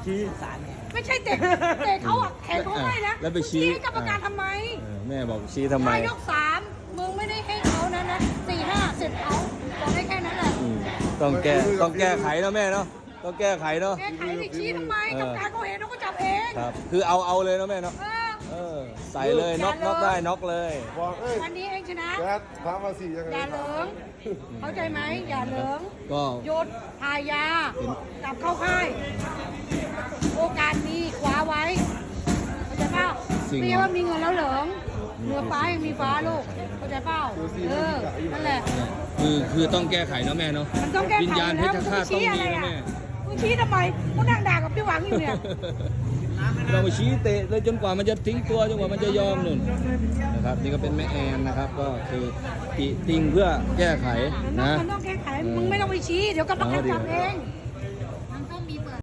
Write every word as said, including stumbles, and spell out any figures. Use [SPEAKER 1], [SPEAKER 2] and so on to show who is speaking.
[SPEAKER 1] ชี้
[SPEAKER 2] ไม่ใช่เตะเตะเขาอ่ะแขนเขาให้นะ
[SPEAKER 1] แล้วไปชี้
[SPEAKER 2] ให้กรรมการทำไม
[SPEAKER 1] เออแม่บอกชี้ทำไม
[SPEAKER 2] ถ้ายกสามมึงไม่ได้ให้เขานะนะสี่ห้าเสร็จเขาบอกได้แค่นั้นแหละ
[SPEAKER 1] อืมต้องแก้ต้องแก้ไขเนาะแม่เนาะต้องแก้ไขเนาะ
[SPEAKER 2] แก้ไขดิชี้ทำไมกรรมการเขาเห็นเขาก็จับเอง
[SPEAKER 1] ครับ คือเอาเอาเลยเนาะแม่เนาะ
[SPEAKER 2] เออ
[SPEAKER 1] เออใส่เลยน็อกน็อกได้น็อกเลย
[SPEAKER 3] บอกเอ้ย
[SPEAKER 2] วันนี้เองชนะ
[SPEAKER 3] แกถามมาสิยังไง
[SPEAKER 2] อย่าเหลิงเข้าใจไหมอย่าเหลิง
[SPEAKER 1] ก็
[SPEAKER 2] หยุดทายากลับเข้าค่าย โอกาสมีคว้าไว้เข้าใจเปล่าไม่ใช่ว่ามีเงินแล้วเหลิงเหนือฟ้ายังมีฟ้าลูกเข้าใจเปล่าเออนั่นแหละ
[SPEAKER 1] คือคือต้องแก้ไขเนาะแม่เนาะ
[SPEAKER 2] มันต้องแก้ไข
[SPEAKER 1] วิญญาณเพ
[SPEAKER 2] แล้
[SPEAKER 1] ช
[SPEAKER 2] ว
[SPEAKER 1] รฆาตต้องมีนะแม่
[SPEAKER 2] มึงชี้ทำไมมึงนั่งด่ากับพี่หวังอยู่เนี่ย
[SPEAKER 1] เราไปชี้เตะเลยจนกว่ามันจะทิ้งตัวจนกว่ามันจะยอมหนุนนะครับนี่ก็เป็นแม่แอนนะครับ ก็คือติติงเพื่อแก้ไข
[SPEAKER 2] มันต้อง
[SPEAKER 1] นะ
[SPEAKER 2] มันต้องแก้ไขมึงไม่ต้องไปชี้เดี๋ยวกรรมการจับเอง